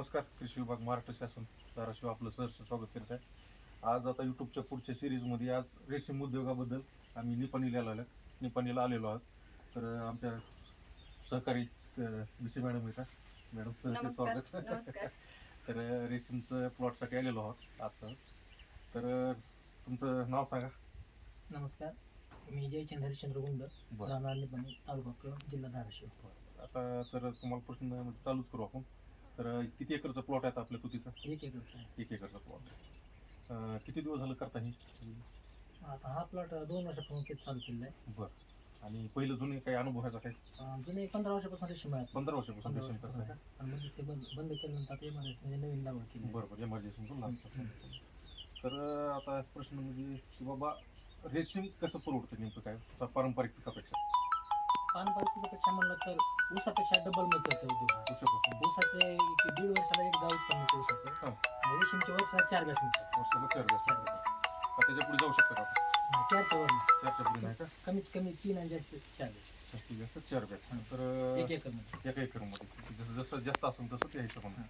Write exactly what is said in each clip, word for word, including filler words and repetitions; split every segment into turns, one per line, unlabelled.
नमस्कार. कृषी विभाग महाराष्ट्र शासन धाराशिव आपलं सहर्ष स्वागत करत आहे. आज आता यूट्यूबच्या पुढच्या सिरीजमध्ये आज रेशीम उद्योगाबद्दल आम्ही निपाणीला आलेलो निपाणीला आलेलो आहोत. तर आमच्या सहकारी विषय मॅडम येतात. मॅडम सहर्ष स्वागत.
नमस्कार.
तर रेशीमचं प्लॉटसाठी आलेलो आहोत आज. तर तुमचं नाव सांगा.
नमस्कार, मी जयचंद्र हरिश्चंद्र गुंड, राहणार निपाणी, तालुका कळंब, जिल्हा धाराशिव.
आता तर तुम्हाला प्रश्न चालूच करू आपण. तर किती एकरचा प्लॉट आहे आपल्या तुतीचा?
एक एकरचा आहे.
एक एकरचा प्लॉट. किती दिवस झालं करता ही?
आता हा प्लॉट दोन वर्षापासून तेच चालू केलेला आहे.
बरं. आणि पहिलं जुने काही अनुभवायचा काय?
जुने पंधरा वर्षापासून रेशीम आहे.
पंधरा वर्षापासून रेशीम करताय का?
आणि मग ते बंद बंद केल्यानंतर आता एमआरएस म्हणजे नवीन लागवड केली.
बरोबर, एमआरजेसी म्हणून. तर आता प्रश्न म्हणजे की बाबा रेशीम कसं परवडतं नेमकं काय पारंपरिक पिकापेक्षा?
पारंपरिक पिकापेक्षा म्हणलं तर ऊसापेक्षा डबल मिळतं उद्योग.
ऊसापासून
ऊसाचे एक दीड वर्षाला एक गाव उत्पन्न मिळतं ऊसाचं. आणि रेशीमच्या वर्षाला चार गॅस मिळतात.
वर्षाला चार गॅस मिळतात. त्याच्या पुढे जाऊ शकतं का?
चारच्या वर
चारच्या पुढे नाही का?
कमीत कमी तीन आणि जास्त चार गॅस.
जास्तीत जास्त चार बॅच. तर
एक एकरमध्ये
एका एकरमध्ये जसं जसं जास्त असेल तसं त्या हिशोबाने.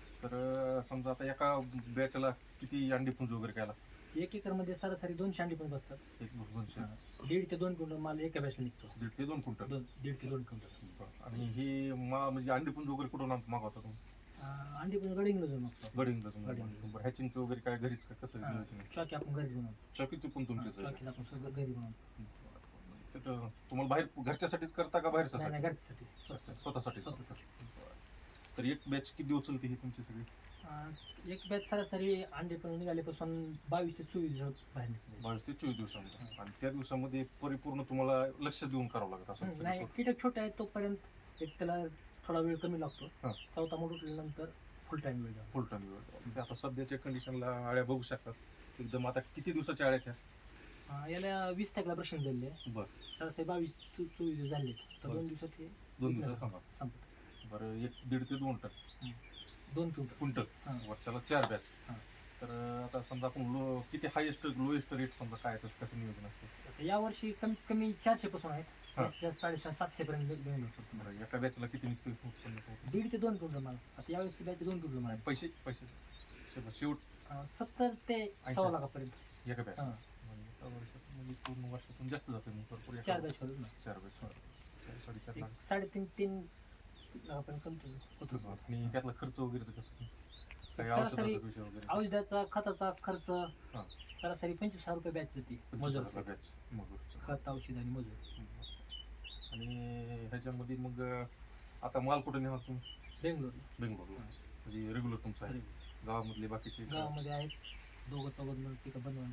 तर समजा आता एका बॅचला किती अंडी पुंज वगैरे काय लागतं?
एक एकरमध्ये सरासरी दोनशे अंडी पण बसतात.
एक दोनशे
दीड ते दोन क्विंटल माल एका बॅचला निघतो.
दीड ते दोन क्विंटल.
दोन दीड ते दोन क्विंटल.
आणि ही मा म्हणजे अंडी पुंज वगैरे कुठून मागवता तुम्ही?
अंडी पण गडिंगला जाऊन मागतो.
गडिंग. हॅचिंगचं वगैरे काय घरीच का कसं नियोजन आहे?
चॉकी आपण घरी बनवतो.
चॉकीचं पण तुमचे
चॉकीला आपण सगळं घरी बनवतो.
तुम्हाला बाहेर घरच्यासाठीच करता का बाहेरच्या
नाही, नाही, घरच्यासाठी.
स्वतःसाठी?
स्वतःसाठी.
तर एक बॅच किती दिवस चालते ही तुमची सगळी?
अं, एक बॅच सरासरी अंडे पण निघाल्यापासून बावीस ते चोवीस दिवस बाहेर निघते.
बावीस ते चोवीस दिवसामध्ये. आणि त्या दिवसामध्ये परिपूर्ण तुम्हाला लक्ष देऊन करावं लागत असं?
नाही, कीटक छोटे आहेत तोपर्यंत एक त्याला थोडा वेळ कमी लागतो.
हां.
चौथा मोठ उठल्यानंतर फुल टाइम वेळ जातो.
फुल टाइम वेळ. आता सध्याच्या कंडिशनला आळ्या बघू शकतात एकदम. आता किती दिवसाच्या आळ्या त्या?
अं, याला वीस तारखेला प्रश्न झाले.
बरं.
सरासरी बावीस ते चोवीस दिवस झाले तर दोन दिवसात हे
दोन दिवसात सांगा.
संपत.
बरं. एक दीड ते दोन टन
दोन क्विंटल
क्विंटल
हां.
वर्षाला चार बॅच.
हां.
तर आता समजा आपण लो किती हायेस्ट लोएस्ट रेट समजा काय तसं कसं नियोजन असतं?
यावर्षी कमीत कमी चारशे पासून आहेत.
हां.
साडेसात सातशे पर्यंत मिळून होतो.
बरं. एका बॅचला किती निघतं उत्पन्न?
दीड ते दोन क्विंटल माल. आता यावेळेस बॅच दोन क्विंटल माल.
पैसे पैसे शेवट शेवट
अं, सत्तर ते सव्वा लाखापर्यंत
एका बॅच
हां.
म्हणजे एका वर्षात म्हणजे पूर्ण वर्षातून जास्त जाते मग भरपूर.
चार बॅच करून ना
चार बॅच साडेचार
एक
लाख.
साडेतीन तीन लाखापर्यंत कमी होतो.
आणि त्यातला खर्च वगैरे कसं काही
सरासरी
औषधाचा विषय वगैरे?
औषधाचा खताचा खर्च
हां.
सरासरी पंचवीस हजार रुपये बॅच जाते. मजूर
बॅच मजूर.
खत औषध आणि मजूर.
आणि ह्याच्यामध्ये मग आता माल कुठे नेहा तुम्ही?
बेंगलोर
बेंगलोरला. म्हणजे रेग्युलर तुमचं आहे? गावामधले बाकीचे
गावामध्ये आहेत दोघं चौघं पिकं बनवून.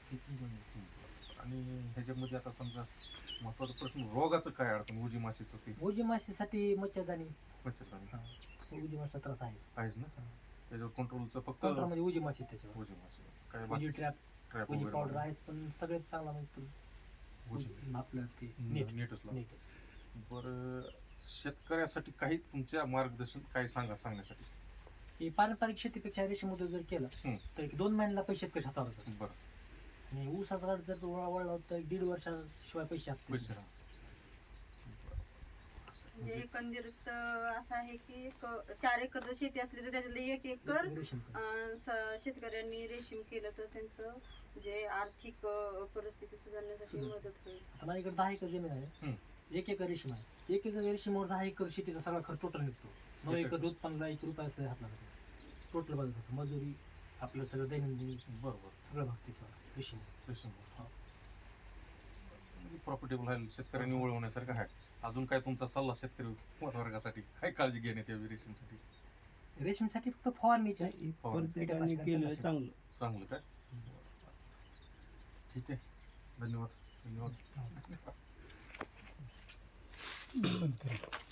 आणि ह्याच्यामध्ये आता समजा महत्वाचा प्रश्न रोगाचं काय अडचण? उजी माशीचं ते
ओजी माशीसाठी मच्छरदाणी.
मच्छरदाणी
उजी माशीचा त्रास आहे.
आहेच ना? त्याच्यावर कंट्रोलचं फक्त
काउंटरमध्ये उजी माशी त्याच्यावर.
उजी माशी काय
उजी
बाकी
ट्रॅप
ट्रॅप
उजी
वगैरे
पावडर आहेत पण सगळ्यात चांगला म्हणजे
उजी
आपलं ते नेट
नेटच लावून.
नेट.
बरं. शेतकऱ्यासाठी काही तुमच्या मार्गदर्शन काय सांगा सांगण्यासाठी?
हे पारंपरिक शेतीपेक्षा रेशीम उद्योग जर केला
हं.
तर एक दोन महिन्याला पैसे कसे हातावर येतात.
बरं.
आणि ऊसाचा झाड जर वळा वळला तर दीड वर्षाशिवाय पैसे असतात.
पैसे राहा.
म्हणजे एकंदरीत असं आहे की एक चार एकर जर शेती असली तर त्याच्यातले एक एकर
रेशीम.
अं, स- शेतकऱ्यांनी रेशीम केलं तर त्यांचं जे आर्थिक अं, परिस्थिती सुधारण्यासाठी मदत होईल.
आता माझ्याकडे दहा एकर जमीन आहे.
हं.
एक एकर रेशीम आहे. एक एकर रेशीमवर दहा एकर शेतीचा सगळा खर्च टोटल निघतो. नऊ
एक
एकर दूध पंधरा एक रुपये असं हातला लागतो. टोटल बघत होतं मजुरी आपलं सगळं दैनंदिन
बरोबर.
सगळं भाग त्याच्यावर रेशीम.
रेशीम प्रॉफिटेबल आहे शेतकऱ्यांनी वळवण्यासारखं आहे. अजून काय तुमचा सल्ला शेतकरी वर्गासाठी काय काळजी घेण्यात यावी रेशीमसाठी?
रेशीमसाठी फक्त फवारणीची आहे.
प्रत्येकाने केलं चांगलं.
चांगलं काय? ठीक आहे. धन्यवाद. धन्यवाद.